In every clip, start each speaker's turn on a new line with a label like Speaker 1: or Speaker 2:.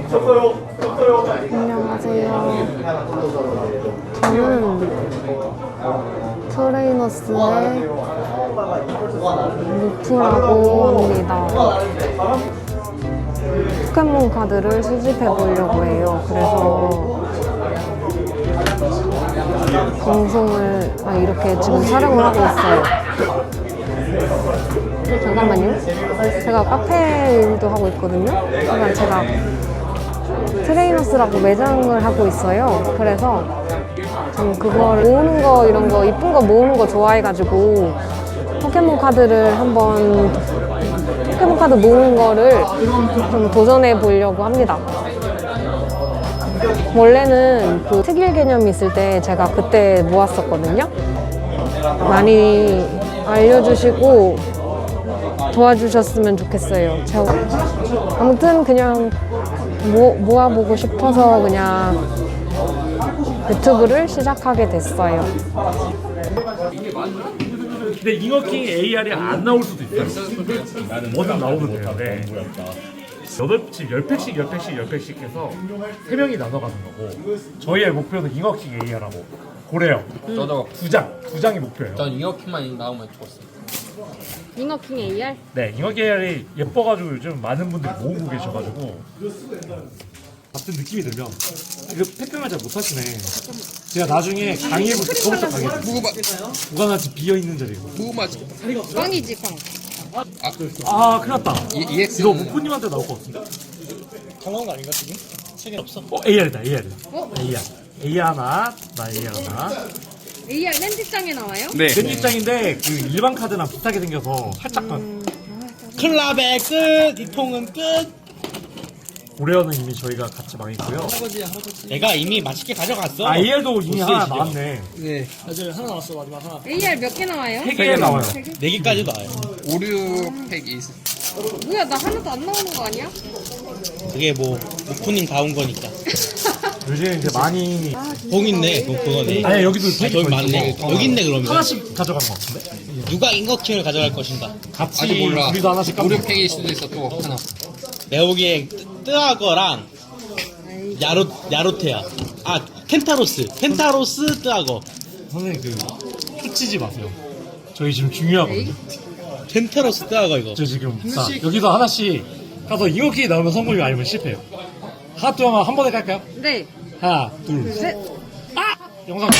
Speaker 1: 안녕하세요. 저는 트레이너스의 루프라고 합니다. 포켓몬 카드를 수집해 보려고 해요. 그래서 방송을 이렇게 지금 촬영을 하고 있어요. 잠깐만요. 제가 카페 일도 하고 있거든요. 그러니까 제가 트레이너스라고 매장을 하고 있어요. 그래서 전 그걸 모으는 거, 이런 거 이쁜 거 모으는 거 좋아해가지고 포켓몬 카드를 한번 포켓몬 카드 모으는 거를 좀 도전해 보려고 합니다. 원래는 그 특일 개념이 있을 때 제가 그때 모았었거든요. 많이 알려주시고 도와주셨으면 좋겠어요. 아무튼 그냥 모아보고 싶어서 그냥 유튜브를 시작하게 됐어요.
Speaker 2: 근데 잉어킹 AR이 안 나올 수도 있어요. 뭐든 나오면 돼요. 네. 10팩씩 해서 3명이 나눠가는 거고, 저희의 목표는 잉어킹 AR하고 고래요.
Speaker 3: 저도
Speaker 2: 2장이 목표예요.
Speaker 3: 전 잉어킹만 나오면 좋았어요.
Speaker 1: 잉어킹 AR?
Speaker 2: 네, 잉어킹 AR이 예뻐가지고 요즘 많은 분들이 모으고 계셔가지고 같은 느낌이 들면 이거 팩핑을 잘 못하시네. 제가 나중에 강의해볼 때 그거부터 강의해드릴게요. 무관하지 비어있는 자리고.
Speaker 3: 무마지.
Speaker 1: 꽝이지 꽝.
Speaker 2: 아, 큰일 났다.
Speaker 3: EX
Speaker 2: 이거 무프님한테 나올 것 같은데?
Speaker 4: 다 나온 거 아닌가 지금? 책이 없어.
Speaker 2: AR이다. AR.
Speaker 1: 어?
Speaker 2: AR 하나, 나 AR 하나.
Speaker 1: AR 렌즈장에 나와요?
Speaker 3: 네.
Speaker 2: 전 입장인데 그 일반 카드랑 비슷하게 생겨서 살짝만.
Speaker 4: 클럽의 끝! 이 통은 끝!
Speaker 2: 고래어는 이미 저희가 같이 망했고요.
Speaker 4: 내가 이미 맛있게 가져갔어.
Speaker 2: 아, AR도 이미 하나
Speaker 4: 보스이시죠?
Speaker 2: 나왔네.
Speaker 4: 네. 아직 하나 남았어. 마지막 하나.
Speaker 1: AR 몇 개 나와요?
Speaker 2: 3개 나와요.
Speaker 4: 4개까지 나와요.
Speaker 3: 오류 팩이 있어.
Speaker 1: 뭐야, 나 하나도 안 나오는 거 아니야?
Speaker 4: 그게 뭐 무프님 다 온 거니까.
Speaker 2: 요즘 이제 많이.
Speaker 4: 봉 있네. 그거네.
Speaker 2: 아니, 여기도
Speaker 4: 아, 저기 많네. 여기 있네 그러면.
Speaker 2: 하나씩 가져간 것 같은데?
Speaker 4: 누가 잉어킹을 가져갈 것인가?
Speaker 2: 같이
Speaker 3: 아직 몰라.
Speaker 2: 우리도 하나씩
Speaker 3: 오류
Speaker 2: 까먹
Speaker 3: 팩일 수도 있어 또 하나.
Speaker 4: 내가 보기엔 뜨아거랑 야로테야. 아, 펜타로스 뜨아거.
Speaker 2: 선생님 꽂히지 마세요. 저희 지금 중요하거든요.
Speaker 4: 펜타로스 뜨아거 이거.
Speaker 2: 저 지금 자, 여기서 하나씩 가서 잉어킹이 나오면 성공이고 아니면 실패해요. 하나 또 한 번에 깔까요?
Speaker 1: 네.
Speaker 2: 하나, 둘, 셋. 아! 영상.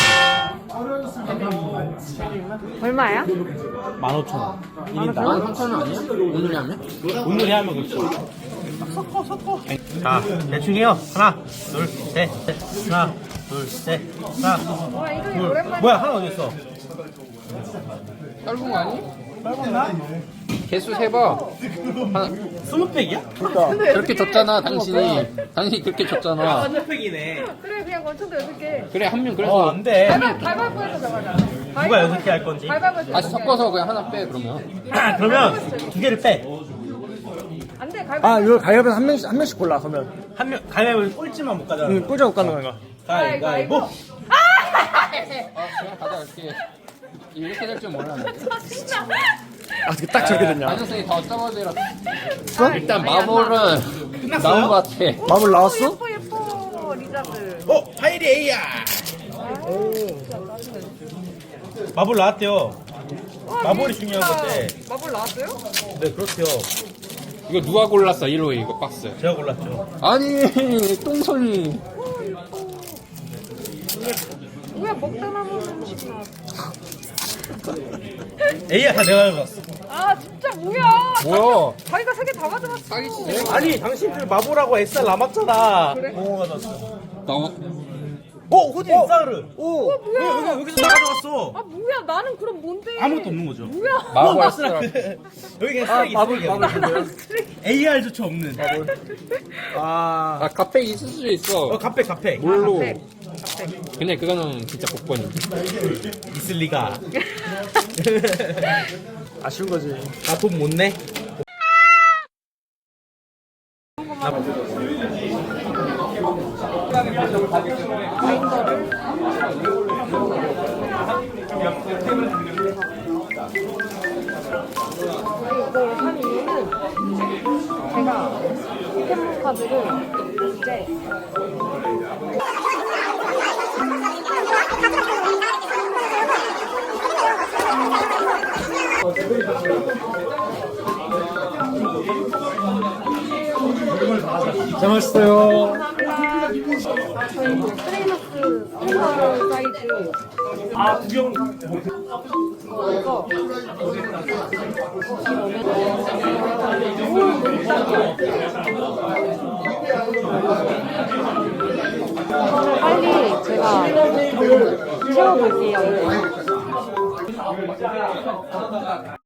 Speaker 1: 얼마야?
Speaker 4: 15,000원.
Speaker 3: 13,000원 아니야? 오늘 하면?
Speaker 4: 오늘 하면 그렇죠. 자, 대충 해요. 하나, 둘, 셋. 하나, 둘, 셋. 하나,
Speaker 1: 와, 이거
Speaker 4: 둘.
Speaker 1: 오랜만에.
Speaker 4: 뭐야, 하나 어디 있어?
Speaker 3: 짧은 거 아니?
Speaker 4: 짧았나?
Speaker 3: 개수 세봐.
Speaker 4: 20팩이야?
Speaker 3: 그렇게 줬잖아 당신이. 당신이 그렇게 줬잖아.
Speaker 4: 30팩이네.
Speaker 1: 그래, 그냥 원천도 6개.
Speaker 3: 그래 한 명 그래서
Speaker 4: 안 돼.
Speaker 1: 가위바위보에서 정하자.
Speaker 4: 누가 6개 할 건지.
Speaker 1: 가위바위보에서
Speaker 3: 다시 섞어서 그냥 하나 빼 그러면.
Speaker 4: 그러면 2개를 빼.
Speaker 1: 안 돼, 가위바위보.
Speaker 5: 아, 이거 가위바위보 한 명씩 골라, 그러면.
Speaker 4: 한 명, 가위바위보 꼴찌만 못 가져가는
Speaker 5: 응,
Speaker 4: 거야.
Speaker 5: 꿀자 못 가는 거야.
Speaker 4: 가위바위보.
Speaker 3: 그냥 가져갈게. 이렇게 될 줄 몰랐네.
Speaker 5: 아, 어떻게 딱 저렇게 됐냐.
Speaker 3: 가능성이 더 적어지라. 일단 마블은 나온 것 같아.
Speaker 5: 마블 나왔어?
Speaker 1: 예뻐, 리자드.
Speaker 4: 파이리 A야. 마블 나왔대요. 마블이 중요한 건데.
Speaker 1: 마블 나왔어요?
Speaker 4: 네, 그렇대요.
Speaker 3: 이거 누가 골랐어? 1호 이거 박스.
Speaker 4: 제가 골랐죠.
Speaker 3: 아니 똥손이.
Speaker 1: 뭐야, 먹다 남은 음식 나왔어.
Speaker 4: A야 다 내가 가져갔어.
Speaker 1: 아, 진짜 뭐야.
Speaker 3: 뭐야?
Speaker 1: 자기가 3개 다 가져갔어.
Speaker 3: 사기치네.
Speaker 4: 아니, 당신들 마블하고 SR 남았잖아.
Speaker 1: 그래?
Speaker 4: 가져갔어.
Speaker 3: 나
Speaker 4: 호진 사르.
Speaker 1: 뭐야.
Speaker 4: 여기서 다 가져갔어.
Speaker 1: 아, 뭐야, 나는 그럼 뭔데?
Speaker 4: 아무것도 없는 거죠.
Speaker 1: 뭐야.
Speaker 3: 마블 아스라.
Speaker 4: 여기 그냥 쓰레기.
Speaker 5: 마블.
Speaker 4: AR조차 없는.
Speaker 5: 아,
Speaker 3: 아 카페 있을 수도 있어.
Speaker 4: 갑팩.
Speaker 3: 뭘로?
Speaker 1: 네.
Speaker 3: 근데 그거는 진짜 복권이지.
Speaker 4: 있을 리가.
Speaker 5: 아쉬운 거지.
Speaker 4: 나 돈 못 내?
Speaker 1: 이걸 산 이유는 제가 포켓몬 카드를
Speaker 2: 잘 마셨어요. 아, 구경.
Speaker 1: 빨리 제가 채워볼게요.